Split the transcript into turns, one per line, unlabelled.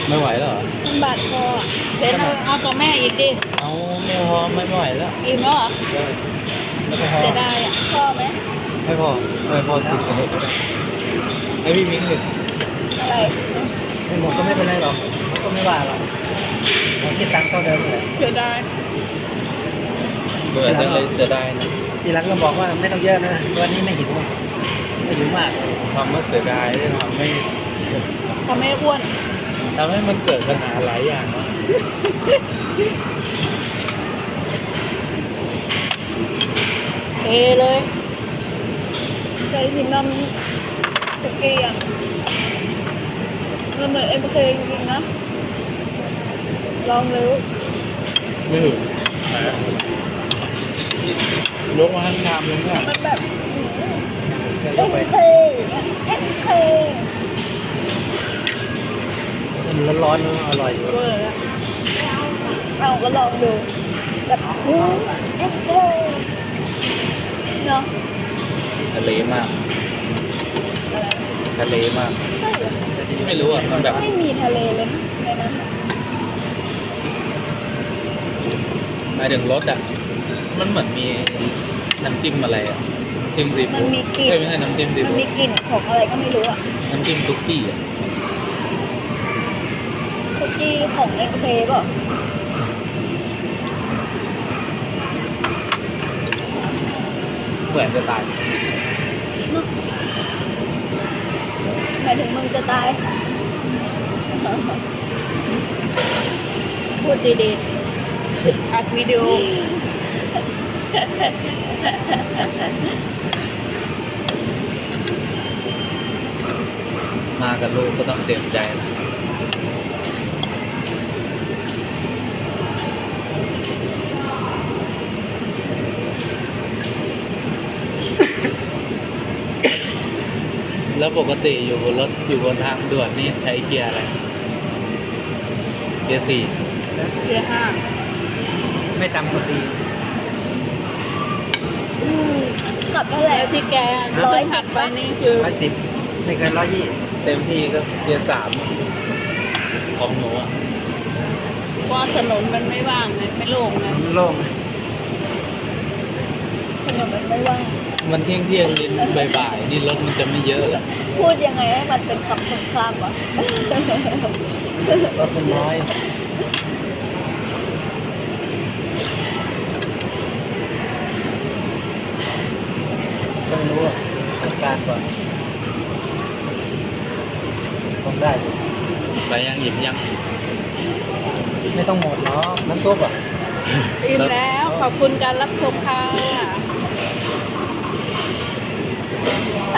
ไม่ไหวแล้วเหรอ
มันบาดคออ่ะเบนเอาตัวแม่อีกดิ
เอาไม่พอไม่ไหวแล้ว
อิ่มแล้วเหรอ
เออแล้วไม่พอ
เสียดายอ่ะพอไหม
ไม่พอไม่พอติดไปให้พี่มิ้งหนึ่ง
อะไร
ไม่หมดก็ไม่เป็นไรหรอกเขาก็ไม่ว่าหรอกเราคิดตังค์เท่าเดิมเลย
เสียดาย
เบื่อจังเลยเสียดายนะทีหลังก็บอกว่าไม่ต้องเยอะนะวันนี้ไม่หิวไม่หิวมากทำว่าเสียดายได้ทำให้
ทำให้อ้วน
ทำให้มันเกิดปัญหาหลายอย่างเนาะ
เทเลยใจถึงน้ำตะเกียงมันเหมือนเอ็มเคจริงๆนะลองเลย
ไม่ถึงยกมาทั้งชามเลยเนี่ย
มันแบบ
เดี๋ยว
เอ็
เรา
ม
ไป
เคเอ็มเค
มันร้อนๆมันอร่อยอยู่
เวอร์อะเอาก็ลองดูแบบเอ็มเคเนาะ
ทะเลมาก
อะไร
ทะเลมาก
ใช่เหรอ
ไม่รู้อ่ะมันแบบ
ไม่มีทะเลเลยในนั้น
หมายถึงรสอ่ะมันเหมือนมีน้ำจิ้มอะไรอ่ะจิ้มซี
มั
ฟู้
น
ด
มีกลิ่น
ไม่ใช่น้ำจิ้มซี
มัน
ฟู้
มี
ด
กลิ่นของอะไรก็ไม่รู้อ่ะ
น้ำจิ้มซุกี้อ่ะ
คุกกี้ของเอ็มเคเปล่ะ
เหมือนจะตาย
หมายถึงมึงจะตาย พูดดีๆ อัดวิดีโอ
มากับลูกก็ต้องเตรียมใจนะแล้วปกติอยู่บนรถอยู่บนทางด่วนนี่ใช้เกียร์อะไรเกียร์สี่
เรือห้า
ไม่ต่ำกว่าสี่
ขับเท่าไหร่ที่แก110ไปนี่คือ
110ไม่เกิน120เต็มที่ก็เกียร์สามของหนูอ่ะ
ว่าถนนมันไม่ว่างไงไม่โล่งไง
มันโล่ง
ถนนมันไม่ว่าง
มันเที่ยงนิดบ่ายๆนี่รถมันจะไม่เยอะหรอก
พูดยังไงให้มันเป็นคำตรงข้ามวะ
รถมันน้อยต้องรู้อ่ะจัดการก่อนต้องได้ไปยังหยิบยังไม่ต้องหมดหรอกน้ำซุปอ่ะ
อิ่มแล้ว ขอบคุณการรับชมค่ะ